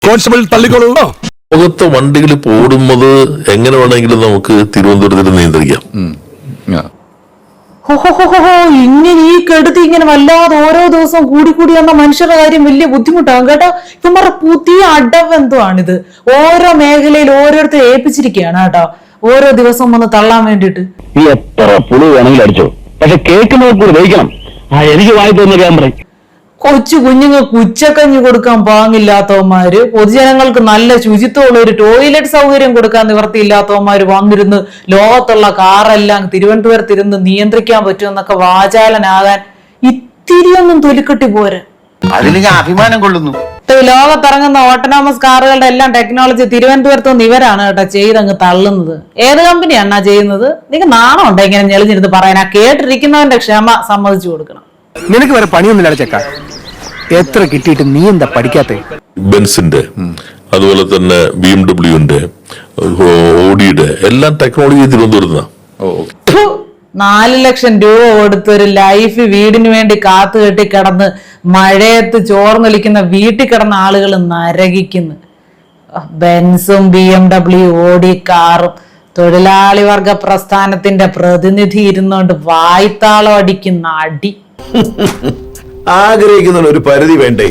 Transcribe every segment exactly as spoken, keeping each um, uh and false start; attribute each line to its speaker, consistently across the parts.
Speaker 1: Constable തള്ളിക്കോളൂ.
Speaker 2: ലോകത്തെ വണ്ടികൾ ഇപ്പോൾ ഓടുന്നത് എങ്ങനെ വേണമെങ്കിലും നമുക്ക് തിരുവനന്തപുരത്തിൽ നിയന്ത്രിക്കാം.
Speaker 3: ഇങ്ങനെ ഈ കെടുത്തി ഇങ്ങനെ വല്ലാതെ ഓരോ ദിവസം കൂടി കൂടി വന്ന മനുഷ്യരുടെ കാര്യം വലിയ ബുദ്ധിമുട്ടാകും കേട്ടോ. ഇവന്മാരുടെ പുതിയ അടവെന്തുവാണിത്? ഓരോ മേഖലയിൽ ഓരോരുത്തർ ഏൽപ്പിച്ചിരിക്കുകയാണ് കേട്ടോ, ഓരോ ദിവസം വന്ന് തള്ളാൻ വേണ്ടിട്ട്.
Speaker 4: നീ എത്ര പുളി വേണമെങ്കിലും അടിച്ചോ, പക്ഷെ കേൾക്കുന്നവർ കൂടി ദഹിക്കണം. ആ എനിക്ക് വായി തോന്നുന്ന ക്യാമറ.
Speaker 3: കൊച്ചു കുഞ്ഞുങ്ങൾക്ക് ഉച്ചക്കഞ്ഞി കൊടുക്കാൻ പാങ്ങില്ലാത്തവന്മാര്, പൊതുജനങ്ങൾക്ക് നല്ല ശുചിത്വമുള്ള ഒരു ടോയ്ലറ്റ് സൗകര്യം കൊടുക്കാൻ നിവർത്തിയില്ലാത്തവന്മാര് വന്നിരുന്ന് ലോകത്തുള്ള കാറെല്ലാം തിരുവനന്തപുരത്തിരുന്ന് നിയന്ത്രിക്കാൻ പറ്റുമെന്നൊക്കെ വാചാലനാകാൻ ഇത്തിരിയൊന്നും തൊലിക്കെട്ടി പോരെ.
Speaker 5: അതിന് ഞാൻ അഭിമാനം കൊള്ളുന്നു.
Speaker 3: ലോകത്തിറങ്ങുന്ന ഓട്ടോണോമസ് കാറുകളുടെ എല്ലാം ടെക്നോളജി തിരുവനന്തപുരത്ത് നിന്ന് ഇവരാണ് കേട്ടോ ചെയ്തങ്ങ് തള്ളുന്നത്. ഏത് കമ്പനിയാണാ ചെയ്യുന്നത്? നിങ്ങൾക്ക് നാണം ഉണ്ടോ ഇങ്ങനെ ഞെളിഞ്ഞിരുന്ന് പറയാൻ? ആ കേട്ടിരിക്കുന്നവന്റെ ക്ഷമ സമ്മതിച്ചു കൊടുക്കണം.
Speaker 1: നിനക്ക് വേറെ പണിയൊന്നുമില്ല ചെക്ക, എത്ര കിട്ടിയിട്ട് നീ എന്താ പഠിക്കാത്ത?
Speaker 2: ബെൻസിന്റെ, അതുപോലെ തന്നെ ബി എം ഡബ്ല്യുവിന്റെ, ഓഡിയുടെ എല്ലാം ടെക്നോളജി തിരുവനന്തപുരത്താണ്.
Speaker 3: നാല് ലക്ഷം രൂപ കൊടുത്തൊരു ലൈഫ് വീടിന് വേണ്ടി കാത്തു കെട്ടി കിടന്ന് മഴയത്ത് ചോർന്നൊലിക്കുന്ന വീട്ടിൽ കിടന്ന ആളുകൾ നരകിക്കുന്നു. ബെൻസും ബി എം ഡബ്ല്യു ഓടി കാറും തൊഴിലാളി വർഗ പ്രസ്ഥാനത്തിന്റെ പ്രതിനിധി ഇരുന്നോണ്ട് വായ്ത്താളം അടിക്കുന്ന അടി.
Speaker 6: ആഗ്രഹിക്കുന്ന ഒരു പരിധി വേണ്ടേ?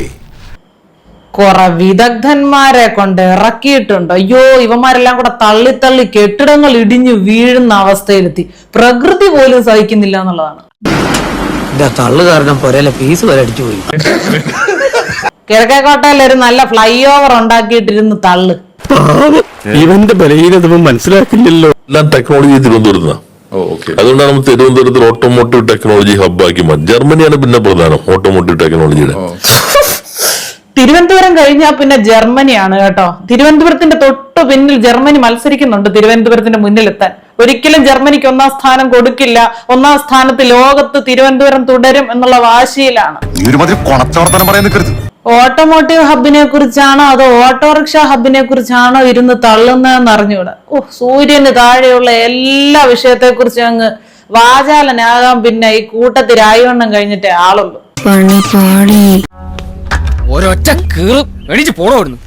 Speaker 3: കുറെ വിദഗ്ധന്മാരെ കൊണ്ട് ഇറക്കിയിട്ടുണ്ട്. അയ്യോ, ഇവന്മാരെല്ലാം കൂടെ തള്ളി തള്ളി കെട്ടിടങ്ങൾ ഇടിഞ്ഞു വീഴുന്ന അവസ്ഥയിലെത്തി. പ്രകൃതി പോലും സഹിക്കുന്നില്ല എന്നുള്ളതാണ്.
Speaker 7: തള്ളു കാരണം പൊരയിലെ ഫീസ് വരെ അടിച്ചു പോയി.
Speaker 3: കിഴക്കേക്കോട്ടയിൽ ഒരു നല്ല ഫ്ലൈ ഓവർ ഉണ്ടാക്കിയിട്ടിരുന്ന് തള്ളു.
Speaker 1: ഇവന്റെ ബലഹീനത മനസ്സിലാക്കില്ലല്ലോ.
Speaker 2: എല്ലാം ടെക്നോളജി തിരുവനന്തപുരത്താണ്. അതുകൊണ്ടാണ് നമ്മൾ തിരുവനന്തപുരത്തിൽ ഓട്ടോമോട്ടീവ് ടെക്നോളജി ഹബ്ബാക്കി മാറ്റി. ജർമ്മനിയാണ് പിന്നെ പ്രധാനം ഓട്ടോമോട്ടീവ് ടെക്നോളജിയുടെ.
Speaker 3: തിരുവനന്തപുരം കഴിഞ്ഞാൽ പിന്നെ ജർമ്മനിയാണ് കേട്ടോ. തിരുവനന്തപുരത്തിന്റെ തൊട്ടു പിന്നിൽ ജർമ്മനി മത്സരിക്കുന്നുണ്ട് തിരുവനന്തപുരത്തിന്റെ മുന്നിലെത്താൻ. ഒരിക്കലും ജർമ്മനിക്ക് ഒന്നാം സ്ഥാനം കൊടുക്കില്ല. ഒന്നാം സ്ഥാനത്ത് ലോകത്ത് തിരുവനന്തപുരം തുടരും എന്നുള്ള വാശിയിലാണ്. ഓട്ടോമോട്ടീവ് ഹബിനെ കുറിച്ചാണോ അതോ ഓട്ടോറിക്ഷ ഹബിനെ കുറിച്ചാണോ ഇരുന്ന് തള്ളുന്നതെന്ന് അറിഞ്ഞൂടാ. ഓ, സൂര്യന് താഴെയുള്ള എല്ലാ വിഷയത്തെ കുറിച്ച് അങ്ങ് വാചാലനാകാൻ പിന്നെ ഈ കൂട്ടത്തിൽ രായവണ്ണം കഴിഞ്ഞിട്ടേ ആളുള്ളൂ.
Speaker 7: ഒരൊറ്റ കീറും എണീച്ച് പോണോടുന്നു.